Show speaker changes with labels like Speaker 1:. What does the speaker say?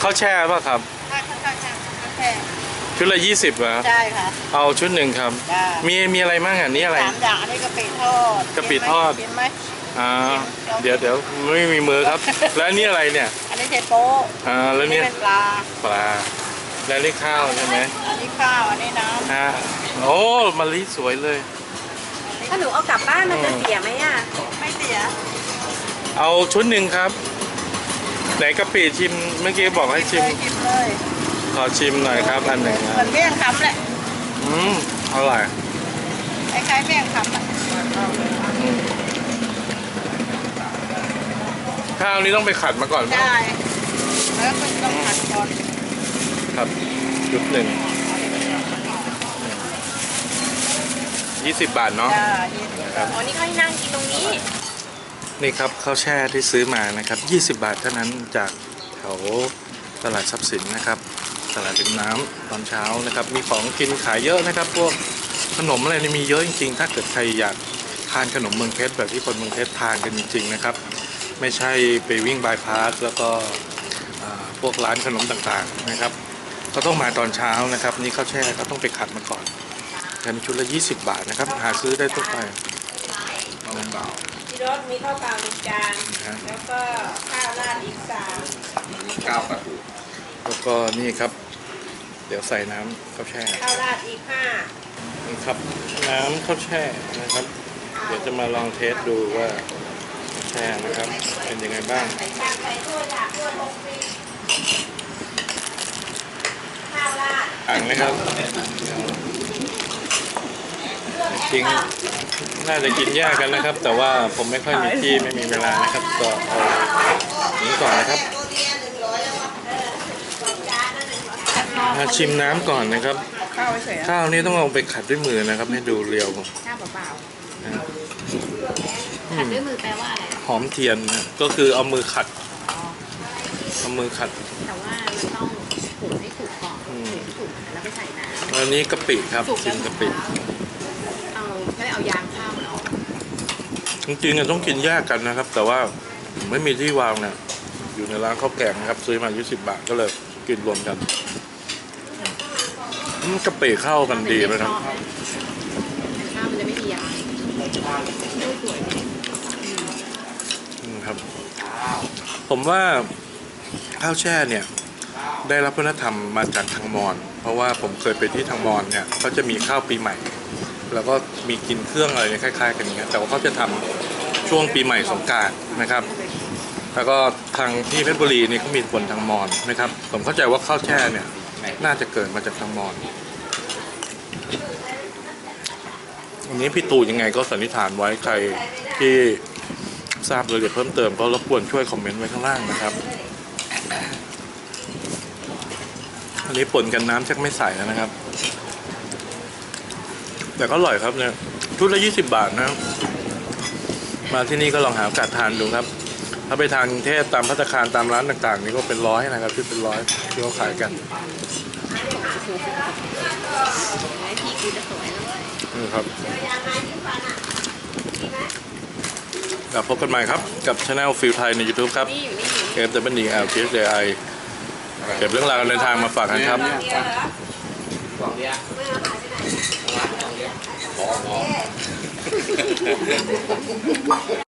Speaker 1: ข้าวแช่ป่ะครับ
Speaker 2: ใช่ข้าวแช่
Speaker 1: ชุดละ20เหรอ
Speaker 2: ใช่ค่ะ
Speaker 1: เอาชุดหนึ่งครับมีอะไรบ้างอ่ะนี่อะไร
Speaker 2: 3 อย่างอันนี้กะปิทอด
Speaker 1: กะปิทอด
Speaker 2: กินไหม
Speaker 1: เดี๋ยวไม่มีมือครับ แล้วนี่อะไรเนี่ย
Speaker 2: อันนี้เชโป๊
Speaker 1: แล้วเนี่ย
Speaker 2: เป็นปลา
Speaker 1: แล้วนี่ข้าวใช่ไหม
Speaker 2: อันนี้ข้าวอันนี้น้
Speaker 1: ำโอ้มะลิสวยเลย
Speaker 3: ถ้าหนูเอากลับบ้านมันจะเสียไหมอ่ะ
Speaker 2: ไม่เสีย
Speaker 1: เอาชุดหนึ่งครับไหนกะปิชิมเมื่อกี้บอกให้ชิม
Speaker 2: เลย
Speaker 1: ขอชิมหน่อยครับอันหนึ่ง
Speaker 2: เหมือนเมี่ยงคำแหละ
Speaker 1: อร่อย
Speaker 2: คล้ายๆเมี่ยงคำ
Speaker 1: ข้าวนี้ต้องไปขัดมาก่อน
Speaker 2: ใช่แล้วก็ต้องขัดก่อน
Speaker 1: ครับชุดหนึ่ง20 บาทเนาะ
Speaker 3: อ๋อนี่เขาให้นั่งกินตรงนี้
Speaker 1: นี่ครับข้าวแช่ที่ซื้อมานะครับ20 บาทเท่านั้นจากแถวตลาดทรัพย์สินนะครับตลาดริมน้ำตอนเช้านะครับมีของกินขายเยอะนะครับพวกขนมอะไรนี่มีเยอะจริงๆถ้าเกิดใครอยากทานขนมเมืองเพชรแบบที่คนเมืองเพชรทานกันจริงๆนะครับไม่ใช่ไปวิ่งบายพาสแล้วก็พวกร้านขนมต่างๆนะครับก็ต้องมาตอนเช้านะครับนี่ข้าวแช่ก็ต้องไปขัดมาก่อนกันชุดละ20 บาทนะครับหาซื้อได้ทั่วไป
Speaker 3: ที่รถมีข้าวเปล่า1 จานแล้วก็ข้าวราดอีก3
Speaker 1: ข้าวปลาทูแล้วก็นี่ครับเดี๋ยวใส่น้ำข้าวแช่
Speaker 3: ข้าวราดอีก5
Speaker 1: นี่ครับน้ำข้าวแช่นะครับเดี๋ยวจะมาลองเทสดูว่าแช่นะครับเป็นยังไงบ้างอ่างนะครับจริงน่าจะกินยากกันนะครับแต่ว่าผมไม่ค่อยมีที่ไม่มีเวลานะครับก็เอานี้ก่อนนะครับมาชิมน้ำก่อนนะครับข้าวนี้ต้องเอาไปขัดด้วยมือนะครับให้ดูเรียว
Speaker 3: ข้าวเปล่า
Speaker 1: ขัดด้วยมือแปลว่าอะไรหอมเทียนนะก็คือเอามือขัดเอามือขัด
Speaker 3: แต่ว่ามันต้องขูดให้สุกก่อนขูดแล้วไปใส่น้ำ
Speaker 1: อันนี้กะปิครับชิมกะปิ
Speaker 3: ไม่เอายางข้าวมันออก
Speaker 1: จริงๆต้องกินแยกกันนะครับแต่ว่าไม่มีที่วางเนี่ยอยู่ในร้านข้าวแกงนะครับซื้อมา20 บาทก็เลยกินรวมกันกะปิเข้ากันดีเลยนะ
Speaker 3: ข้าวมันจะไม่มียาง
Speaker 1: ครับผมว่าข้าวแช่เนี่ยได้รับวัฒนธรรมมาจากทางมอญเพราะว่าผมเคยไปที่ทางมอญเนี่ยเขาจะมีข้าวปีใหม่แล้วก็มีกินเครื่องอะไรคล้ายๆกันอย่างเงี้ยแต่ว่าเขาจะทำช่วงปีใหม่สงกรานต์นะครับแล้วก็ทางที่เพชรบุรีนี่เขามีคนทางมอญนะครับผมเข้าใจว่าข้าวแช่เนี่ยน่าจะเกิดมาจากทางมอญอันนี้พี่ตู่ยังไงก็สันนิษฐานไว้ใครที่ทราบรายละเอียดเพิ่มเติมก็รบกวนช่วยคอมเมนต์ไว้ข้างล่างนะครับอันนี้ป่นกันน้ำชักไม่ใส่แล้วนะครับแต่ก็อร่อยครับเนี่ยชุดละ20 บาทนะมาที่นี่ก็ลองหาโอกาสทานดูครับถ้าไปทางกรุงเทพตามภัตตาคารตามร้านต่างๆนี่ก็เป็น100นะครับชุดเป็น100ที่เขาขายกันนี่ครับพบกันใหม่ครับกับช anel ฟิลไทยใน YouTube ครับเกมFWLเก็บเรื่องราวการเดินทางมาฝากกันครับ